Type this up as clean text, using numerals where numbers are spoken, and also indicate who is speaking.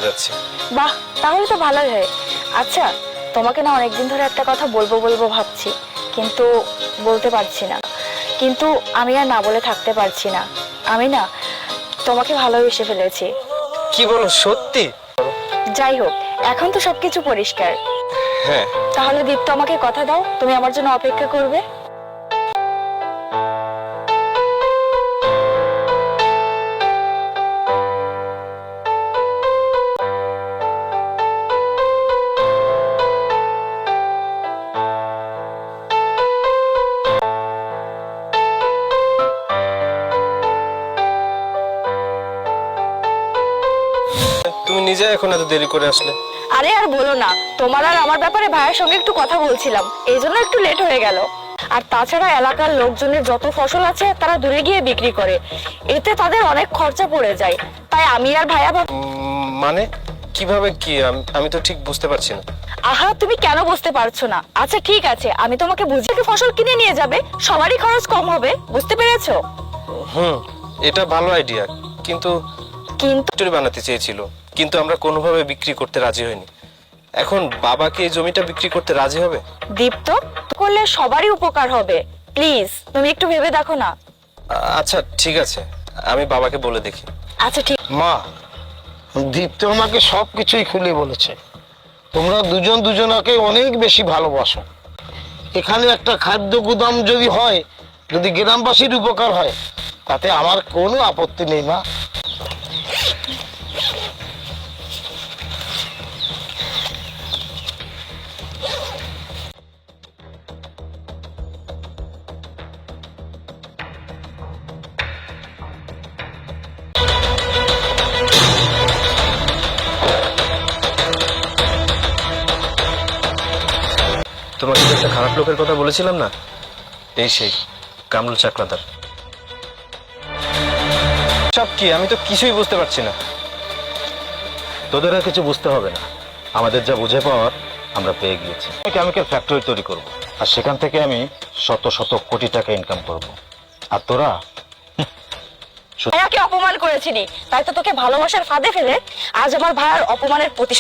Speaker 1: যাচ্ছি।
Speaker 2: বাহ, তাহলে তো ভালোই হয়। আচ্ছা, তোমাকে না অনেকদিন ধরে একটা কথা বলবো বলবো ভাবছি, কিন্তু বলতে পারছি না। কিন্তু আমি আর না বলে থাকতে পারছি না। আমি না তোমাকে ভালোবেসে ফেলেছি।
Speaker 1: কি বলো, সত্যি?
Speaker 2: যাই হোক, এখন তো সবকিছু পরিষ্কার।
Speaker 1: হ্যাঁ।
Speaker 2: তাহলে দীপ্ত, আমাকে কথা দাও তুমি আমার জন্য অপেক্ষা করবে।
Speaker 1: তুমি নিজে এখন এত দেরি করে আসলে?
Speaker 2: আরে আর বলো না, তোমার আর আমার ব্যাপারে ভাইয়ের সঙ্গে একটু কথা বলছিলাম, এই জন্য একটু লেট হয়ে গেল। আর তাছাড়া এলাকার লোকজনের যত ফসল আছে তারা দূরে গিয়ে বিক্রি করে, এতে তাদের অনেক খরচা পড়ে যায়। তাই আমি আর ভাইয়া
Speaker 1: মানে কিভাবে কি? আমি তো ঠিক বুঝতে পারছি না।
Speaker 2: আহা, তুমি কেন বুঝতে পারছো না? আচ্ছা ঠিক আছে, আমি তোমাকে বুঝিয়ে একটু ফসল কিনে নিয়ে যাবে, সবারই খরচ কম হবে, বুঝতে পেরেছো?
Speaker 1: এটা ভালো আইডিয়া, কিন্তু ফ্যাক্টরি বানাতে চেয়েছিল, কিন্তু আমরা কোনোভাবে বিক্রি করতে রাজি হইনি। এখন বাবাকে এই জমিটা বিক্রি করতে রাজি হবে?
Speaker 2: দীপ্ত, করলে সবারই উপকার হবে, প্লিজ তুমি একটু ভেবে দেখো না।
Speaker 1: আচ্ছা ঠিক আছে, আমি বাবাকে বলে দেখি।
Speaker 2: আচ্ছা ঠিক।
Speaker 3: মা, দীপ্ত আমাকে সবকিছুই খুলে বলেছে। তোমরা দুজন দুজনাকে অনেক বেশি ভালোবাসো। এখানে একটা খাদ্য গুদাম যদি হয়, যদি গ্রামবাসীর উপকার হয়, তাতে আমার কোনো আপত্তি নেই মা।
Speaker 1: তোমাকে যে একটা খারাপ লোকের কথা বলেছিলাম না, এই সেই কামরুল চাকলাদার। সব কি? আমি তো কিছুই বুঝতে পারছি না।
Speaker 4: তোদের আর কিছু বুঝতে হবে না, আমাদের যা বুঝে পাওয়ার আমরা পেয়ে গিয়েছি। কেমিক্যাল ফ্যাক্টরি তৈরি করব, আর সেখান থেকে আমি শত শত কোটি টাকা ইনকাম করব। আর তোরা
Speaker 2: ভাইয়াকে অপমান করেছিলি, তাই তো তোকে ভালোবাসার ফাঁদে ফেলে আজ আমার ভাইয়ার অপমানের প্রতিশোধ